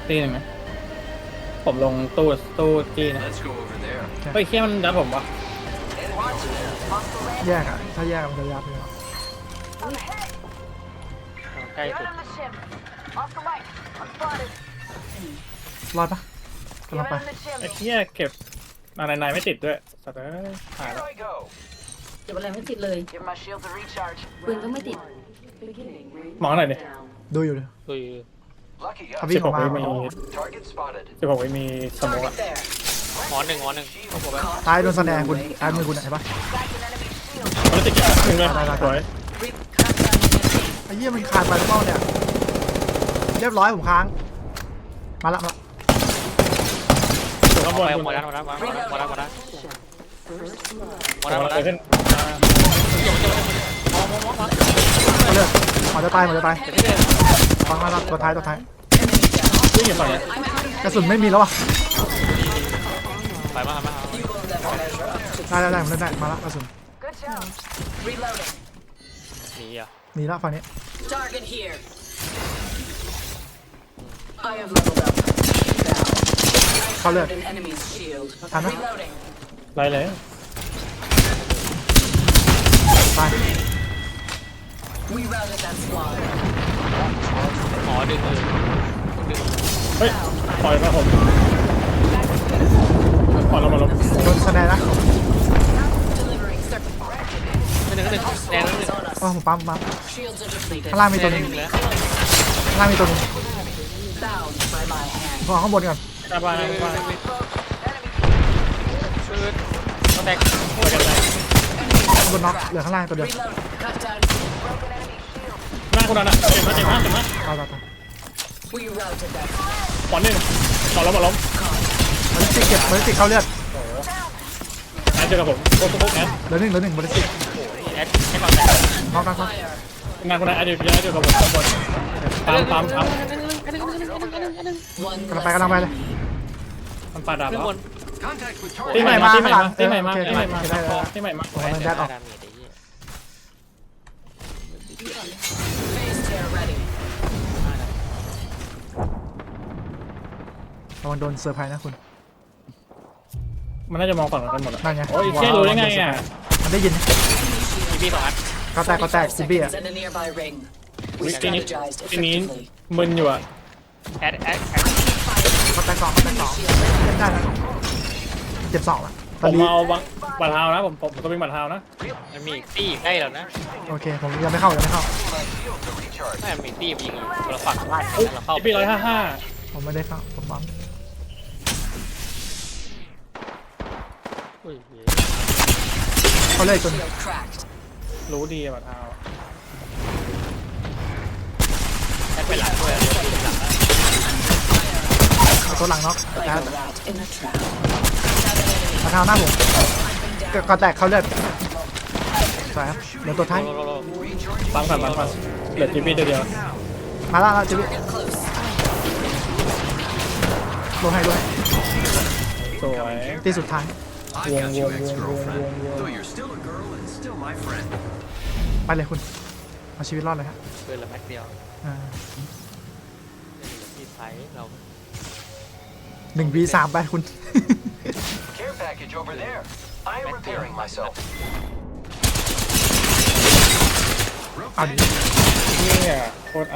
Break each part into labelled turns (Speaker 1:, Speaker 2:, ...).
Speaker 1: ตีหนึ่งนะผมลงตู้จี้นะเฮ้ยเคี้ยมันดัดผมวะ
Speaker 2: แยกอ่ะถ้าแยกมันจะยับเลย
Speaker 3: ใกล้สุด
Speaker 2: รอดปะกำลังไป
Speaker 1: ไอ้เคี้ยเก็บนายไม่ติดด้วยสัตว์เอ้ยหายแล้ว
Speaker 4: เก็บอะไรไม่ติดเลยปืนก็ไม่ติด
Speaker 1: มองหน่อยดิ
Speaker 2: ดูอยู่เลย
Speaker 3: คือ
Speaker 2: ทำวิ่งออกมา
Speaker 1: 16 วิมีสมองอะ
Speaker 3: หมอหนึ่งต้องผมแบบ
Speaker 2: ซ้ายโดนสแนนคุณซ้ายมือคุณเห็นปะ
Speaker 1: มันติดหนึ่งเลยสวย
Speaker 2: ไอ้เหี้ยมันขาดไปหรือเปล่าเนี่ยเรียบร้อยผมค้างมาละ
Speaker 1: ถูกข้างบน
Speaker 3: หม
Speaker 1: คุณ
Speaker 3: ดแล้วหมดแล้วหมดแล้วหมดแล้วหมดแล้ว
Speaker 1: เกิดขึ้น
Speaker 2: เอาเลยหมอจะตายฟังมาละตัวท้าย
Speaker 1: วิ่งอยู่ฝั่งนี้
Speaker 2: กระสุนไม่มีแล้วอ่ะ
Speaker 3: ไปมาครับมา
Speaker 2: ได้ผมเล่นได้มาละกระสุน
Speaker 3: หนีอ่ะ
Speaker 2: หนีละฝั่งนี้
Speaker 4: Target here. I have leveled up.
Speaker 2: เข้าเลือด
Speaker 4: An enemy's shield.
Speaker 2: ทันนะ
Speaker 4: Reloading.
Speaker 1: ไรเลย
Speaker 2: ตาย
Speaker 4: We routed that squad.
Speaker 3: หมอดึง
Speaker 1: เฮ้ยปล่อยมาผมปล่อยเรามาลบ
Speaker 2: โดนสแนนนะ
Speaker 4: Delivering circuit.
Speaker 3: หนึ่งแดงหนึ่ง
Speaker 4: On us.
Speaker 2: ผมปั๊ม
Speaker 4: Shields are depleted.
Speaker 2: ข้างล่างมีตัว
Speaker 3: แด
Speaker 2: นึ
Speaker 3: ง
Speaker 2: ง
Speaker 3: หนึ่งแล้ว
Speaker 2: ข้างล่างมีตัวนึง
Speaker 4: Bound by my hand.
Speaker 2: ผมเอาข้างบนก่อน
Speaker 1: หน้าบ้านหน้าบ้าน
Speaker 3: ต้องแตก
Speaker 1: ไปกันเลย
Speaker 2: ข้างบนน็อกเหลือข้างล่างตัวเดียว
Speaker 4: Reload. Cut down.
Speaker 1: หน้าคุณนั่นอะเจ็บมาก
Speaker 2: ตาย
Speaker 4: We routed that.
Speaker 1: ปอนหนึ่งปอนล้มมาล้ม
Speaker 2: บอลลิสติกเก็บบอลลิสติกเข้าเลือด
Speaker 1: แอนเจอกับผมโค้ชแอน
Speaker 2: เหลือหนึ่งบอลลิสติก
Speaker 3: แอดให้ก่อนแตก
Speaker 2: น็อก
Speaker 4: Fire.
Speaker 1: งานคนนั้นแอนเจอกับผมข้างบนตาม
Speaker 4: One
Speaker 2: กำลังไปเลย
Speaker 1: มันปาดาบ
Speaker 3: ขึ้น
Speaker 1: แล้ว
Speaker 3: บน
Speaker 1: ตีใหม่มาตีใหม่มาตีใหม่มา
Speaker 2: โอเค
Speaker 1: ตีใหม่มา
Speaker 2: ได้
Speaker 1: ตีใหม่มา
Speaker 2: ผมกำลังแดดออก
Speaker 4: phase tear ready.
Speaker 2: ระวังโดนเซอร์ไพรส์นะคุณ
Speaker 1: มันน่าจะมองฝั่งกันหมดอะ
Speaker 2: นั่นไง
Speaker 1: โอ้ยเชี่ยรู้ได้ไงอ่ะ
Speaker 2: มันได้ยิน
Speaker 3: มีพี่สองอัน
Speaker 2: ก็แตกซิบี้อ่ะ
Speaker 4: Seconds and a nearby ring.
Speaker 1: ทีนี้
Speaker 4: Strategized
Speaker 1: ทีนี้
Speaker 4: effectively.
Speaker 1: มึนอยู่อ่ะ
Speaker 3: แอด
Speaker 2: ก็แตกสองเล่นได้นะเจ็บสองละ
Speaker 1: ผ
Speaker 2: ตอน
Speaker 1: ม
Speaker 2: นี้
Speaker 1: เอาบัตรเท้านะผมก็วิ่งบัตรเท้านะ
Speaker 3: มันมีตี้ใกล้แล้วนะ
Speaker 2: โอเคผมยังไม่เข้า
Speaker 3: ไม่มีตี้ยิงเราฝั่งไล่เราเข้า
Speaker 1: ปี155
Speaker 2: ผมไม่ได้เข้าผมบัง เขาเลยจน
Speaker 4: Shield cracked.
Speaker 1: รู้ดีบัตรเท้า
Speaker 3: แอดไปหลังด้วยหลัง
Speaker 2: ตัวหลังน็อก
Speaker 4: Like a rat in a trap.
Speaker 2: มาเท้าหน้าผมก็แตกเขาเลือดสวยครับเหลือตัวท้าย
Speaker 1: ฟังก่อนเหลือจีพีเดียว
Speaker 2: มาแล้วจิบิ
Speaker 4: Get close.
Speaker 2: ลงให้ด้วย
Speaker 1: สวย
Speaker 2: ตีสุดท้าย
Speaker 1: วง
Speaker 5: Though you're still a girl and still my friend.
Speaker 2: ไปเลยคุณเอาชีวิตรอดเลยฮะ
Speaker 3: เกินละแม็กเดียว ที่ไซส์เรา
Speaker 2: 1v3 ไปคุณ
Speaker 5: Care package over there. I'm repairing myself.
Speaker 2: เอาดิ
Speaker 1: นี่อ่ะโคตรเอา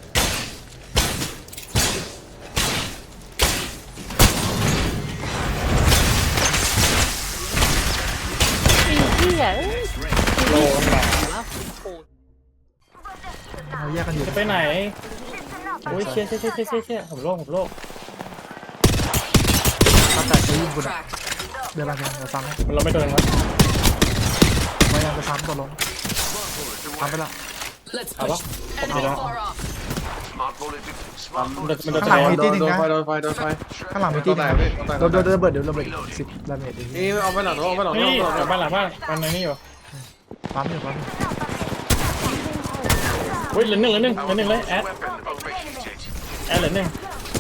Speaker 1: โลนหนา
Speaker 2: เราแยกกันอยู่
Speaker 1: จะไปไหนโอ้ยเชี่ยผมโลก
Speaker 2: ก็แตกจะยิงคุณ
Speaker 4: Cracked.
Speaker 2: เดี๋ยวเราซ้ำให้
Speaker 1: มันเราไม่โดนมั้ย
Speaker 2: พยายามจะซ้ำตัวลงซ้ำไปแล้ว
Speaker 4: Let's
Speaker 1: Hello?
Speaker 4: push. Enemy
Speaker 1: Hello?
Speaker 4: far off.
Speaker 5: Smart bullet. Smart
Speaker 1: มัน
Speaker 5: bullet.
Speaker 1: โดน
Speaker 2: ข้างหลังมี
Speaker 1: แ
Speaker 2: ที่หนึ่งนะ
Speaker 6: โดนไฟ
Speaker 2: ข้างหลังมีที่หนึงโดนระเบิดเดี๋ยวระเบิด10 ดาเมจ
Speaker 6: นี่เอาไปหลังเอาไปหลัง
Speaker 1: นี่
Speaker 6: เอาไปหลัง
Speaker 1: กลับบ้านหลังบ้านมันในนี่อยู่
Speaker 2: ปั๊มอยู่
Speaker 1: เฮ้ยเหลือหนึ่งเลยแอด
Speaker 5: Weapon overheated.
Speaker 1: แอดเหลือหนึ่ง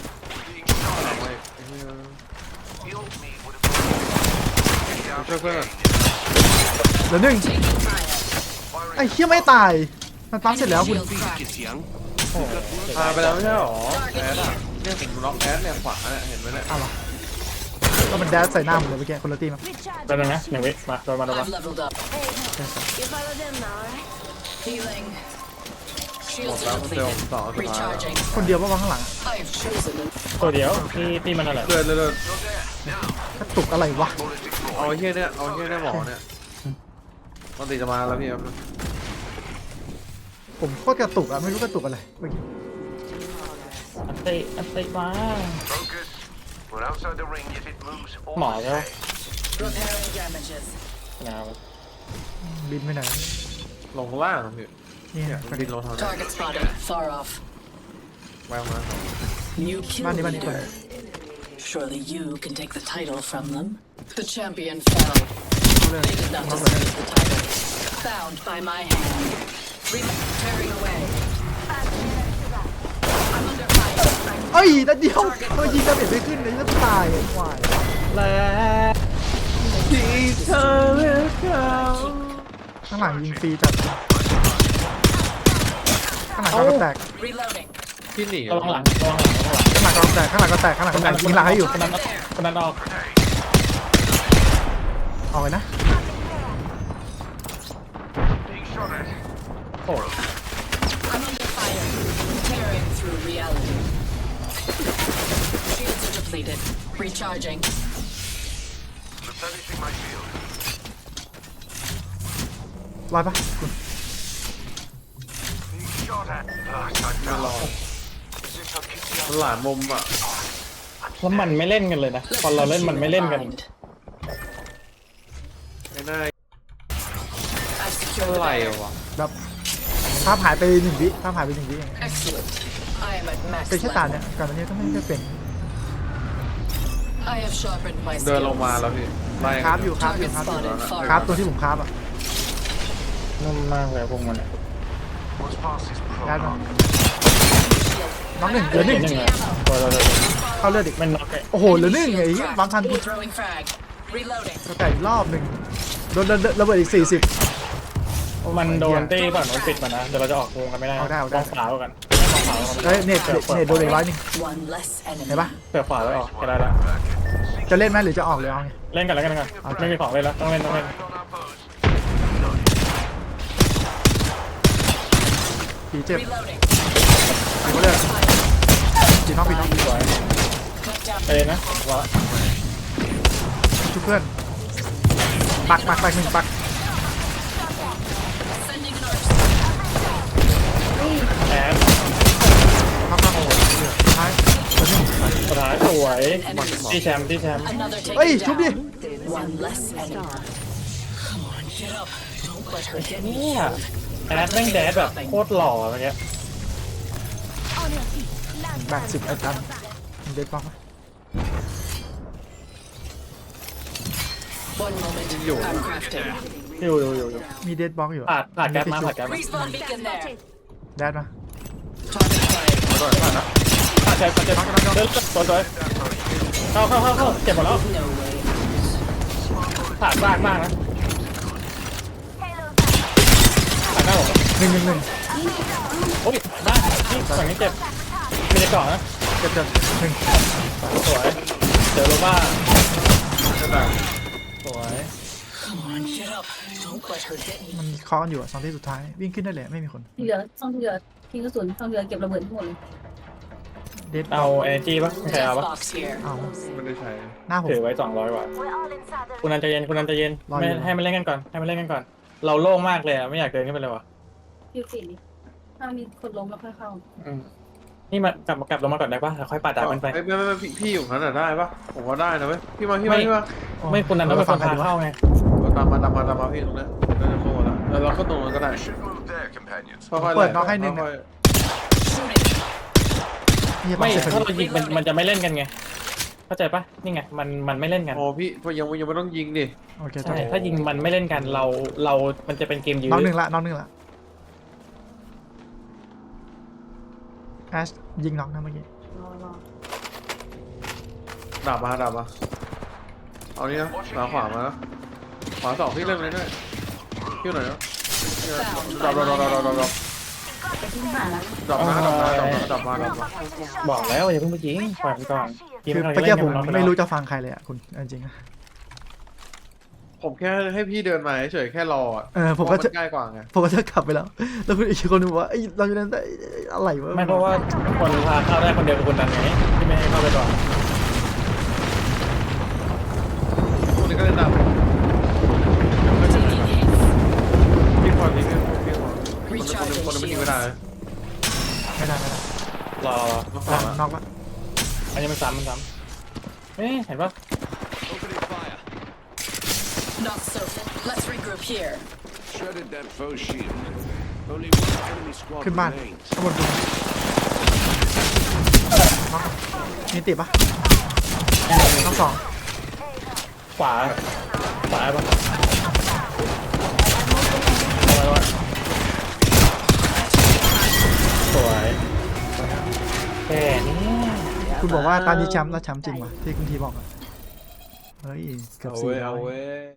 Speaker 5: Heal me with
Speaker 6: ช่วยเพื่อน
Speaker 2: เหลือหนึ่งไอ้เหี้ยไม่ตายมันปั๊มเสร็จแล้วคุณ
Speaker 4: Shield cracked.
Speaker 5: young.
Speaker 6: พาไปแล้วไม่ใช่หรอ
Speaker 4: Target here.
Speaker 6: เนี่ยผมล็อกแอสเนี่ยขวาเนี่ยเห็นไหมเนี่ย
Speaker 2: อ้าวเหรอก็มันแดดใส่หน้าผมเลยเมื่อกี้คนละทีมั้ง
Speaker 1: แป๊บนึงนะ1 วิมาโดนมา
Speaker 4: I've leveled up.
Speaker 7: You follow them now, right?
Speaker 4: Healing.
Speaker 6: หมด
Speaker 4: Shields
Speaker 6: แล้ว
Speaker 4: are
Speaker 6: เซล
Speaker 4: depleted.
Speaker 6: สองสุดท้าย
Speaker 4: Recharging.
Speaker 2: คนเดียวว่าวางข้างหลัง
Speaker 4: I've chosen it.
Speaker 1: ตัวเดียวที่มันอะไร
Speaker 6: เลื่อน
Speaker 2: กระตุกอะไรวะ
Speaker 6: เอาไอ้เหี้ยเนี่ยเอาไอ้เหี้ยเนี่ยหมอเนี่ยปกติจะมาแล้วพี่ครับ
Speaker 2: ผมโคตรกระตุกอะไม่รู้กระตุกอะไรเมื่อกี้
Speaker 1: อันติมา
Speaker 8: Focus. We're outside the ring. If it moves, all
Speaker 1: หมอแล้ว
Speaker 4: Repairing damages.
Speaker 1: งาว
Speaker 2: บินไปไหน
Speaker 6: ลงข้างล่างพี่
Speaker 2: นี่
Speaker 6: เนี่ยมันดินลงทางนั้น
Speaker 4: Target spotted. Far off.
Speaker 6: แววมา
Speaker 4: New kill
Speaker 2: บ้านนี้บ้านนี้คน
Speaker 4: leader. Surely you can take the title from them. The champion fell.
Speaker 2: เขาเลย
Speaker 4: They did not
Speaker 2: น้องเลย
Speaker 4: deserve the title. Found by my hand. Tearing away. I'm under fire.
Speaker 2: เอ้ยนัดเดียวทำไมยิงดาเมจไม่ขึ้นเลยจะตายไอ้ควาย
Speaker 1: และที่เธอเลือกเขา
Speaker 2: ข้างหลังยิงฟรีจัดข้างหลังก็แตก
Speaker 4: Reloading.
Speaker 6: พี่หนี
Speaker 1: ระวังหลัง
Speaker 2: ข้างหลังก็แตกข้างหลังก็แตกข้างหลังก็แตกยิงหลังให้อยู่
Speaker 1: คนนั้นออก
Speaker 2: เอาเลยนะ
Speaker 8: being shot at.
Speaker 1: โอ้
Speaker 4: I'm under fire. Tearing through reality. Shields are depleted. Recharging.
Speaker 8: Replenishing my shield.
Speaker 2: รอดปะคุณ
Speaker 8: Being shot at. I
Speaker 6: ไม่รอ
Speaker 8: Is this our kitty
Speaker 6: มันหลานมุมอ่ะ
Speaker 1: แล้วมันไม่เล่นกันเลยนะตอนเราเล่นมันไม่เล่นกัน
Speaker 6: ไอ้หน้า
Speaker 4: I've secured
Speaker 6: อะไร
Speaker 4: the barrier.
Speaker 6: วะ
Speaker 2: แบบภาพหายไป1 วิภาพหายไป1 วิเอง
Speaker 4: Excellent. I am at max
Speaker 2: เป็นแค่ตา
Speaker 4: level.
Speaker 2: เนี่ยการวันนี้ก็ไม่ได้เป็น
Speaker 4: I have sharpened my
Speaker 6: เดินลงมาแล้ว
Speaker 4: skills.
Speaker 6: พี่ไล่
Speaker 2: คราฟอยู่คราฟอยู่
Speaker 4: Target
Speaker 2: คราฟอยู่
Speaker 4: spotted. Far
Speaker 2: คราฟ
Speaker 4: off.
Speaker 2: ตัวที่ผมคราฟอ่ะ
Speaker 1: นุ่มมากเลยพวกมัน
Speaker 8: What's past is
Speaker 2: ได้มา
Speaker 8: prologue.
Speaker 2: น้องหนึ่งเหลือหนึ่ง
Speaker 1: ตัวเรา
Speaker 2: เข้าเลือดอีก
Speaker 1: มันน็อกเลย
Speaker 2: โอ้โหเหลือหนึ่งไอ้เหี้ยบางทันกู
Speaker 4: Throwing frag. Reloading.
Speaker 2: จะแตกอีกรอบหนึ่งโดนระเบิดอีก40
Speaker 1: มันโดนตี้ฝั่งโน้นปิดมานะเดี๋ยวเราจะออกวงกันไม่ได้
Speaker 2: เอาได้
Speaker 1: มองขวาไว้กันมองขวาไว้กัน
Speaker 2: เฮ้ยเน็ตโดนอีก100นึง
Speaker 4: One less
Speaker 2: เห็น
Speaker 4: enemy.
Speaker 2: ปะ
Speaker 1: เปิดขวาไว้ออกก็ได้ละ
Speaker 2: จะเล่นไหมหรือจะออกเลยเอาไง
Speaker 1: เล่นกันแล้วกันก่อนไม่มีของเล่นแล้วต้องเล่น
Speaker 8: On our foes.
Speaker 2: ผีเจ็บ
Speaker 4: Reloading.
Speaker 2: ผีก็เลือดผีน้องผีน้อง
Speaker 1: สวย
Speaker 4: Cut down.
Speaker 1: ไปเลยนะว่า
Speaker 2: ชุบเพื่อนปัก1ปัก
Speaker 4: Sending an arc.
Speaker 1: แอด
Speaker 2: พักโอ้โหท้ายตัวนี้
Speaker 1: สุดท้ายสวยที่แชมป์
Speaker 4: Another
Speaker 2: เฮ้ย
Speaker 4: taken
Speaker 2: ชุบดิ
Speaker 4: down. One less enemy. Come on, get up. Don't let her get me
Speaker 1: เนี่ย
Speaker 4: killed.
Speaker 1: แอดแม่งแดดแบบโคตรหล่ออะไรเงี้ย
Speaker 2: แบ่ง10ไอ้ตันเด็ดปัก
Speaker 4: One moment. I'm crafting.
Speaker 1: อยู่
Speaker 2: มีเดดบ็อกอยู่
Speaker 1: ผ่านแก๊สมา
Speaker 4: Respawn beacon there.
Speaker 2: แดดมา
Speaker 4: Target fire.
Speaker 1: ผ่านแก๊สเดินสวยเข้าเจ็บหมดแล้ว
Speaker 4: No way.
Speaker 1: ผ่านมากนะผ่านหน้าผม
Speaker 2: 1
Speaker 1: โอ้ยบ้านนี่ฝั่งนี้เจ็บมีในเกาะนะ
Speaker 2: เจ็บ1
Speaker 1: สวยเจอโรบ้าสวย
Speaker 4: Come on, get up. Don't let her get me.
Speaker 2: มันเคาะกันอยู่2 ที่สุดท้ายวิ่งขึ้นได้เลยไม่มีคน
Speaker 7: ที่เหลือต้องที่เหลือทิ้งกระสุนต้องเหลือเก็บระเบิดทั้งหมดเลย
Speaker 2: เดด
Speaker 1: เอา energy ป่ะใคร
Speaker 4: Death
Speaker 1: เอาป่ะ
Speaker 4: box here.
Speaker 2: เอา
Speaker 6: ไม่ได้ใช้
Speaker 2: หน้าผม
Speaker 1: ถือไว้200 บาท
Speaker 7: We're all inside the
Speaker 1: คุณนันใจเย็นไม่ให้มันเล่นกันก่อนเราโล่งมากเลยไม่อยากเดินขึ้นไปเลยว่ะ
Speaker 7: คิวสี่ดิถ้ามีคนล้มแล้วค่อยเข้า
Speaker 1: นี่มากลับลงมาก่อนได้ป่ะแล้วค่อยปาดามันไป
Speaker 6: ไม่พี่อยู่นั้นได้ปะผมว่าได้นะเว้ยพี่มา
Speaker 1: ไม่คุณนันต้องเป็นคนพาเข้าไง
Speaker 6: ตามมาพี่ตรงนี้น่าจะโค้งแล้วเราก็ตรงนั้นก็ได้
Speaker 8: Should move there, companions.
Speaker 6: ค่อยๆ
Speaker 2: เปิดน็อกให้หนึ่ง
Speaker 6: ค่อย
Speaker 4: Shooting.
Speaker 2: นี่
Speaker 1: ไม่
Speaker 2: เจ็บพอ
Speaker 1: ถ้าเรา
Speaker 2: ดี
Speaker 1: ยิงมันจะไม่เล่นกันไงเข้าใจป่ะนี่ไงมันไม่เล่นกัน
Speaker 6: โอ้พี่ยังไม่ต้องยิงดิ
Speaker 2: โอเค
Speaker 1: ใช่ถ้ายิงมันไม่เล่นกันเรามันจะเป็นเกมยื้
Speaker 2: น้อง
Speaker 1: อ
Speaker 2: หนึ่งละแอชยิงน็อกนะเมื่อกี้
Speaker 7: รอ
Speaker 6: ดับมาเอานี่นะขวามาแล้วขวา2พี่เล่นเลยด้วยพี่หน่อยนะ
Speaker 4: Found
Speaker 6: ดับ
Speaker 4: by my hand.
Speaker 7: ที่ผ่านแล้ว
Speaker 6: ดรอปมาดรอปมาดรอปมาดรอปมาดรอปมา
Speaker 1: บอกแล้วอย่าเพิ่งไปยิงปล่อยมันก่อน
Speaker 2: คือ
Speaker 1: มัน
Speaker 2: เมื่อกี้ผม
Speaker 1: เล่นกัน
Speaker 2: ไม่รู้จะฟังใครเลยอ่ะคุณเอาจริงๆอะ
Speaker 6: ผมแค่ให้พี่เดินมาเฉยๆแค่รออะ
Speaker 2: ผมก็
Speaker 6: เพ
Speaker 2: จะ
Speaker 6: ราะนง่ายกว่าไง
Speaker 2: ผมก็จะกลับไปแล้ว แล้วคุณอีกคนนึงบอกว่าไอ้ยเราอยู่นั้นได้อะไรวะ
Speaker 1: ไม่เพราะว่าคนพาเข้าได้คนเดียวกับคนนั้นไงที่ไม่ให้เข้าไปก่อน
Speaker 6: คนนี้ก็เล่นดำ
Speaker 4: Taking hits.
Speaker 6: พี่พอพี่คนนึงไม่ยิงไม่ได้
Speaker 2: ไม่ได้
Speaker 1: รอ
Speaker 6: ต้องขอละ
Speaker 2: น็อกละ
Speaker 1: อันนี้มันซ้ำเอ๊ะเห็นปะ
Speaker 4: Not so. Let's regroup here.
Speaker 8: Shredded that foe shield. Only one enemy squad
Speaker 2: ขึ้นบ้าน
Speaker 8: remains.
Speaker 2: ข้างบนคุณน็อกมีติดปะน็อกสอง
Speaker 1: ขวาปะสวยแค่นี้
Speaker 2: คุณบอกว่าตอนนี้แชมป์แล้วแชมป์จริงวะที่คุณทีบอกอะเฮ้ยเกือบ
Speaker 6: เอา
Speaker 2: สี่
Speaker 6: เว้ย
Speaker 2: ร้
Speaker 6: เอา
Speaker 2: อย
Speaker 6: เว้ย